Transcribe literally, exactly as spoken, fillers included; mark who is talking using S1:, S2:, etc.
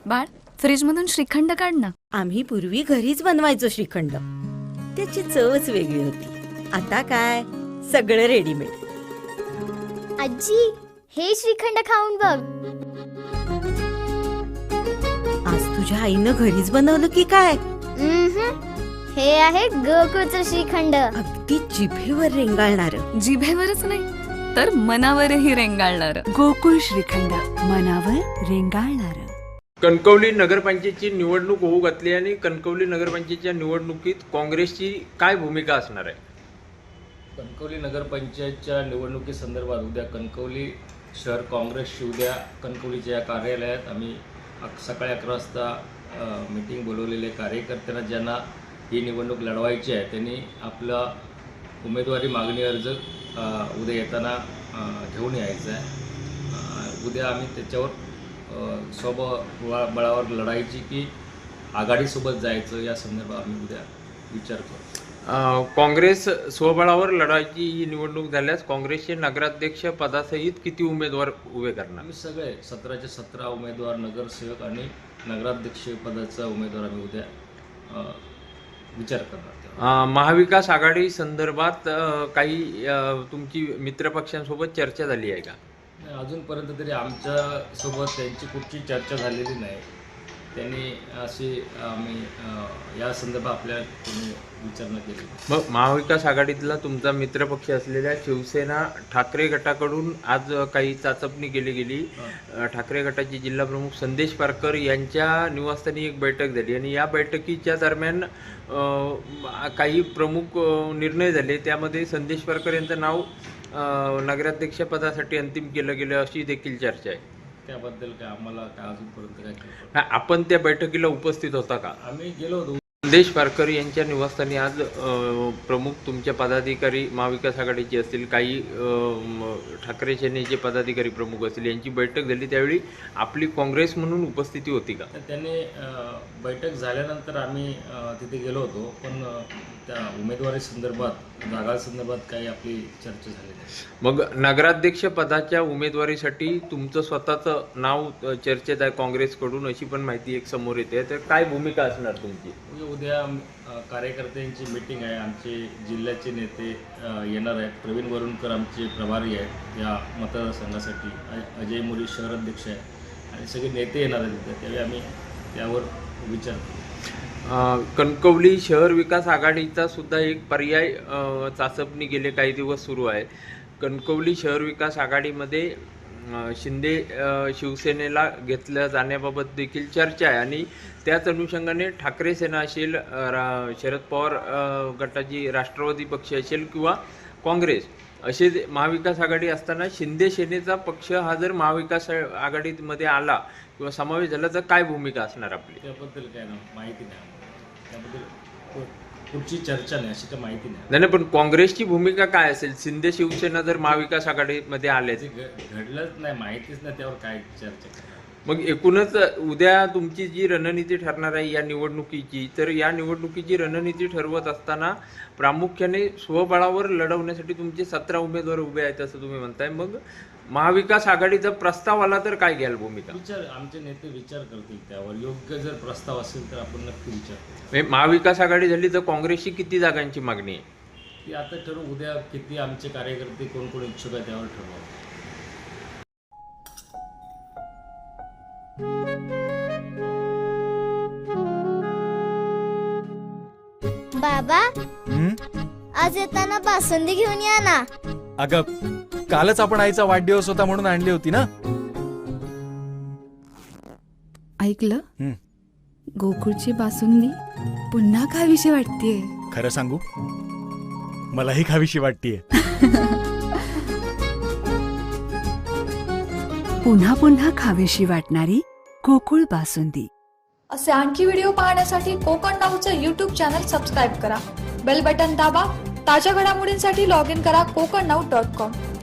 S1: बाळ, फ्रीजमधून श्रीखंड काढ ना.
S2: आम्ही पूर्वी घरीच बनवायचो श्रीखंड. त्याची चवच वेगळी होती. आता काय सगळं रेडीमेड.
S3: आजी, हे श्रीखंड खाऊन बघ.
S2: आज तुझ्या आईनं घरीच बनवलं की काय?
S3: उम्हम. हे आहे गोकुळचं श्रीखंड.
S2: अगदी जिभेवर रेंगाळणार.
S1: जिभेवरच नाही तर मनावरही रेंगाळणार.
S4: गोकुळ श्रीखंड, मनावर रेंगाळणार.
S5: कणकवली नगरपंचायतची निवडणूक होऊ घातली आणि कणकवली नगरपंचायतच्या निवडणुकीत काँग्रेसची काय भूमिका असणार आहे?
S6: कणकवली नगरपंचायतच्या निवडणुकीसंदर्भात उद्या कणकवली शहर काँग्रेसची उद्या कणकवलीच्या या कार्यालयात आम्ही अक सकाळी अकरा वाजता मीटिंग बोलवलेले कार्यकर्त्यांना ज्यांना ही निवडणूक लढवायची आहे त्यांनी आपला उमेदवारी मागणी अर्ज उद्या येताना घेऊन यायचा आहे. उद्या आम्ही त्याच्यावर स्वबळा बळावर लढायची की आघाडीसोबत जायचं या संदर्भात आम्ही उद्या विचार करू.
S5: काँग्रेस स्वबळावर लढायची ही निवडणूक झाल्यास काँग्रेसचे नगराध्यक्ष पदासहित किती उमेदवार उभे करणार?
S6: आम्ही सगळे सतराचे सतरा उमेदवार, नगरसेवक आणि नगराध्यक्ष पदाचा उमेदवार आम्ही उद्या विचार करणार.
S5: महाविकास आघाडी संदर्भात काही तुमची मित्रपक्षांसोबत चर्चा झाली आहे का?
S6: अजूनपर्यंत तरी आमच्यासोबत त्यांची कुठची चर्चा झालेली नाही. त्यांनी अशी आम्ही या संदर्भात आपल्या कोणी विचारणा केली.
S5: मग महाविकास आघाडीतला तुमचा मित्रपक्ष असलेल्या शिवसेना ठाकरे गटाकडून आज काही चाचपणी केली गेली. ठाकरे गटाचे जिल्हा प्रमुख संदेश पारकर यांच्या निवासस्थानी एक बैठक झाली आणि या बैठकीच्या दरम्यान काही प्रमुख निर्णय झाले. त्यामध्ये संदेश पारकर यांचं नाव नगराध्यक्षपदासाठी अंतिम केलं गेलं अशी देखील चर्चा आहे.
S6: त्याबद्दल काय आम्हाला काय अजूनपर्यंत काय
S5: आपण त्या बैठकीला उपस्थित होता का?
S6: आम्ही गेलो होतो.
S5: संदेश पारकर यांच्या निवासस्थानी आज प्रमुख तुमच्या पदाधिकारी महाविकास आघाडीचे असतील, काही ठाकरे सेनेचे पदाधिकारी प्रमुख असतील, यांची बैठक झाली. त्यावेळी आपली काँग्रेस म्हणून उपस्थिती होती का?
S6: त्यांनी बैठक झाल्यानंतर आम्ही तिथे गेलो होतो, पण त्या उमेदवारी संदर्भात जागा संदर्भात काही आपली चर्चा झाली नाही.
S5: मग नगराध्यक्ष पदाच्या उमेदवारीसाठी तुमचं स्वतःचं नाव चर्चेत आहे काँग्रेसकडून अशी पण माहिती एक समोर येते. तर काय भूमिका असणार तुमची?
S6: उद्या कार्यकर्त्यांची मीटिंग आहे. आमचे जिल्ह्याचे नेते येणार आहेत. प्रवीण वरुणकर आमचे प्रभारी आहेत या मतदारसंघासाठी. अजय मोरी शहर अध्यक्ष आहे आणि सगळे नेते येणार आहेत तिथे. त्यावेळी आम्ही त्यावर विचार करू.
S5: कणकवली शहर विकास आघाडीचा सुद्धा एक पर्याय चाचपणी गेले काही दिवस सुरू आहे. कणकवली शहर विकास आघाडीमध्ये शिंदे शिवसेनेला घेतल्या जाण्याबाबत देखील चर्चा आहे आणि त्याच अनुषंगाने ठाकरे सेना असेल, शरद पवार गटाची राष्ट्रवादी पक्ष असेल किंवा काँग्रेस असे महाविकास आघाडी असताना शिंदे सेनेचा पक्ष हा जर महाविकास आघाडीमध्ये आला किंवा समावेश झाला तर काय भूमिका असणार आपली?
S6: त्याबद्दल काय ना माहिती नाही. त्याबद्दल कुठची चर्चा नाही, अशी काही माहिती नाही.
S5: नाही पण काँग्रेसची भूमिका काय असेल शिंदे शिवसेना जर महाविकास आघाडीमध्ये आले?
S6: घडलंच नाही, माहितीच नाही, त्यावर काय चर्चा.
S5: मग एकूणच उद्या तुमची जी रणनीती ठरणार आहे या निवडणुकीची, तर या निवडणुकीची रणनीती ठरवत असताना प्रामुख्याने स्वबळावर लढवण्यासाठी तुमचे सतरा उमेदवार उभे आहेत असं तुम्ही म्हणताय. मग महाविकास आघाडीचा प्रस्ताव आला तर काय घ्याल भूमिका?
S6: विचार आमचे नेते विचार करतील त्यावर. योग्य जर प्रस्ताव असेल तर आपण नक्की विचार करू.
S5: महाविकास आघाडी झाली तर काँग्रेसची किती जागांची मागणी आहे
S6: ती आता ठरवू. उद्या किती आमचे कार्यकर्ते कोण कोण इच्छुक आहे त्यावर ठरवू.
S3: बाबा, आज येताना बासुंदी घेऊन या ना.
S7: अगं, कालच आपण आईचा वाढदिवस होता म्हणून आणली होती ना.
S1: ऐकलं? गोकुळची बासुंदी पुन्हा खावीशी वाटतेय.
S7: खरं सांगू, मलाही खावीशी वाटतेय.
S4: पुन्हा पुन्हा खावीशी वाटणारी गोकुळ बासुंदी.
S8: असे आणखी व्हिडिओ पाहण्यासाठी कोकण नाऊचं यूट्यूब चॅनल सबस्क्राईब करा. बेल बटन दाबा. ताज्या घडामोडींसाठी लॉग इन करा कोकण नाऊ डॉट कॉम.